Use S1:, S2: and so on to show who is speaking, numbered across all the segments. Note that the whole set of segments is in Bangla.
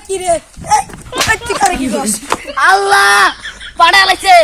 S1: কি রে এই তুই করে কি করছিস?
S2: আল্লাহ পাড়া লাগছে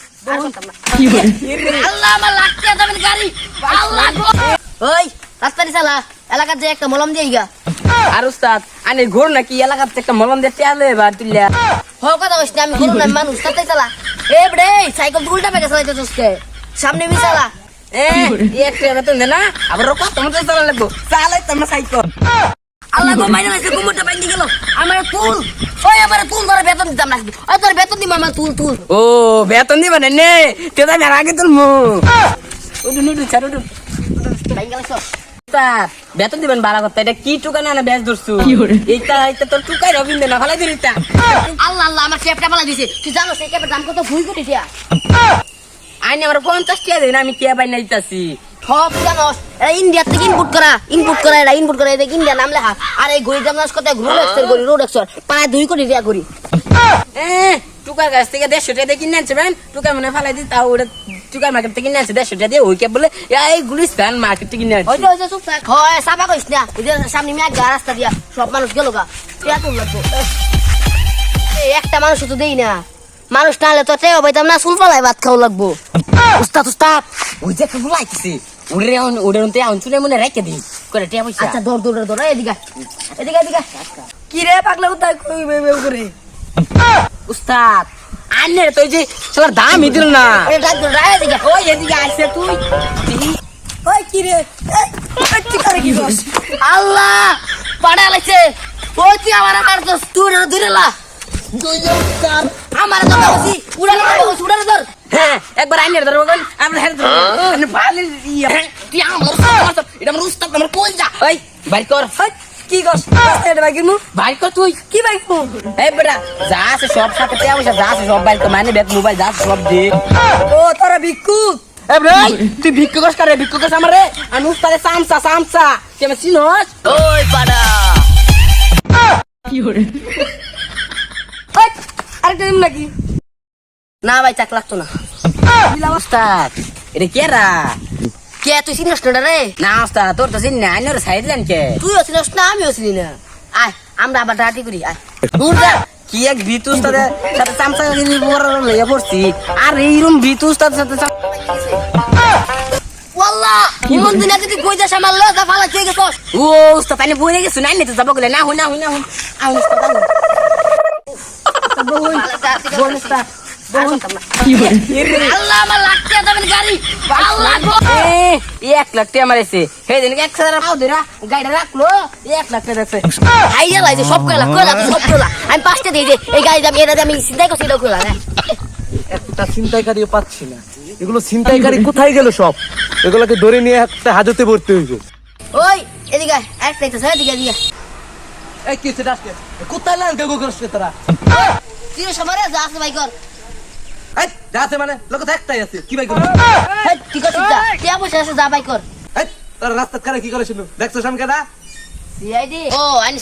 S2: আল্লাহ আমার লাগছে যাবেন গাড়ি আল্লাহ গো ওই রাস্তায় চালা এলাকার যে একটা মলম দিয়ে গা
S3: আর উস্তাদ আনে ঘোর নাকি এলাকার থেকে একটা মলম দিয়ে তেলে এবার তুললা
S2: হ কথা কইছ না আমি ঘুরু না মানুষ তাতে চালা এ bre সাইকেল উল্টা পেকে চালাইতে চসকে সামনে মি চালা
S3: একটা বেতন দে না আবার রকম তোমার তো চালা লাগবো চালাই তোমার সাইকেল
S2: আল্লাহ গো মাইনা লাগছে কুমুরটা বাইন্ধি গেল আমার তুল ওই আমার তুল ধরে বেতন দিতাম না ওই তোর বেতন দিম আমার তুল তুল
S3: ও বেতন দিবা না নে তেদা আমি আগে তুলমু উঠুন উঠুন ছাড় উঠুন
S2: বাইঙ্গা লাগছ
S3: উস্তাদ বেতন দিবেন বালা কথা এটা কি টুকা না বেশ ধরছু এইটা এইটা তোর টুকাই রবিন্দে না ভালাই দিন এটা
S2: আল্লাহ আল্লাহ আমার ক্যাপটা পালা দিছে তুই জানো সেই ক্যাপের দাম কত 2 কোটি টাকা
S3: আইনে আমার 50 টাকা দেন আমি কে পাই না দিতাছি
S2: সব জানোস এটা ইন্ডিয়া থেকে ইনপুট করা এটা ইনপুট করা এটা ইন্ডিয়া নাম লেখা আর এই গড়ি দাম জানোস কত রোলেক্সের গড়ি রোলেক্সের প্রায় 2 কোটি টাকা গড়ি
S3: টুকার কাছ থেকে 150 টাকা দিয়ে কিনে আনছে বেন টুকা মনে ফালাই দি তাও ওটা টুকার মার্কেট থেকে কিনে আনছে 150 টাকা দিয়ে ওই কে বলে এই গুলিস্তান মার্কেট থেকে কিনে আনছে
S2: ওইটা চুপ থাক হয় সাবা কইস না ওই যে সামনে মিয়া রাস্তা দিয়া সব মানুষ গেল গা তুই এত লাগবো এই একটা মানুষ তো দেই না মানুষ না হলে তো টেও পাইতাম না চুল পালাই ভাত খাওয়া লাগবো
S3: উস্তাদ উস্তাদ ওই যে কেবল আইছে ওরে ওরে অন্তে আনছুলে মনে রাখে দি করে টিয়া পয়সা
S2: আচ্ছা দৌড় এদিকে এদিকে
S1: কি রে পাগলা কোথায় কই বেবে করে
S3: উস্তাদ আন্নে তো যে সবার দাম দিল না
S2: ওই দৌড় এদিকে
S3: ওই এদিকে আইছে তুই
S1: ওই কি রে এই তুই করে কি করছিস?
S2: আল্লাহ পাড়া লাগছে ওই তুই আমার মারছস তুই দূরেলা আমার তো বসি উড়ানো ধর
S3: হ্যাঁ একবার আইনের ধরবো কোন আমরা হেড ধরবো ভালো
S2: তুই আমার এটা আমার উস্তাদ আমার কই যা
S3: ওই বাইক কর
S1: ওই কি করছিস? এটা বাইকের মুখ
S3: বাইক কর তুই
S1: কি বাইক মুখ
S3: এই বেটা যা আছে সব সাথে টিয়া পয়সা যা আছে সব বাইক মানে ব্যাগ মোবাইল যা আছে সব দে
S1: ও তোরা ভিক্ষুক
S3: এ ভাই তুই ভিক্ষু করে ভিক্ষু করছ আমারে আমি উস্তাদে সামসা তুই আমার চিনস
S2: ওই পাড়া
S1: ওই আরেকটা দিন নাকি
S2: না ভাই চাক লাগতো না
S3: উস্তাদ এটা কে রা
S2: কে তুই চিনিস না রে
S3: না উস্তাদ তোর তো চিন না আইনের সাইড দেন কে
S2: তুইও চিনিস না আমিও চিনি না আয় আমরা আবার ডাটি করি আয়
S3: দূর যা কি এক ভিতু উস্তাদের সাথে সামসা গিনি বড় লইয়া পড়ছি আর এইরকম ভিতু উস্তাদের সাথে
S2: ওয়াল্লাহ কোন দিন যদি কই যাস আমার লজা ফালা তুই গেছস
S3: ও উস্তাদ তাই বই রেগে শুনাই নি তো যাব গলে না হুনা আউন উস্তাদ
S2: বোন উস্তাদ আল্লাহ আমার লাগছে যাবেন গাড়ি আল্লাহ গো
S3: 1 লাখ টাকা মারাইছে হে দিন 1000 পাও দিরা গাড়িটা রাখলো 1 লাখ টাকা রাখছে
S2: আইয়া লাইছে সব কইলা সব কইলা আমি পাঁচটা দিয়ে দে এই গাড়ি দাম এটা আমি চিন্তাই করছি এটা কইলা না
S4: একটা ছিনতাইকারীও পাচ্ছি না এগুলো ছিনতাইকারী কোথায় গেল সব এগুলোকে ধরে নিয়ে একটা হাজতে ভর্তি হইবে
S2: ওই এদিকে একটা একটা এদিকে এদিকে
S4: এই কি সেটা আসছে কোথায় লান কে করছিস তোরা
S2: তুই সবারে যা আছে ভাই কর
S4: এই যাতে মানে লোক তো একটাই আছে কি ভাই করছিস
S2: হেই ঠিক আছে যা টিয়া পয়সা আছে যা ভাই কর
S4: এই তোর রাস্তা করে কি করে শুনু দেখছস আমি কেডা
S2: সিআইডি ও আই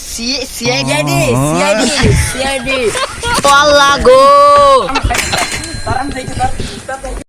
S2: সিআইডি ও আল্লাহ গো
S3: তারাম যাইতে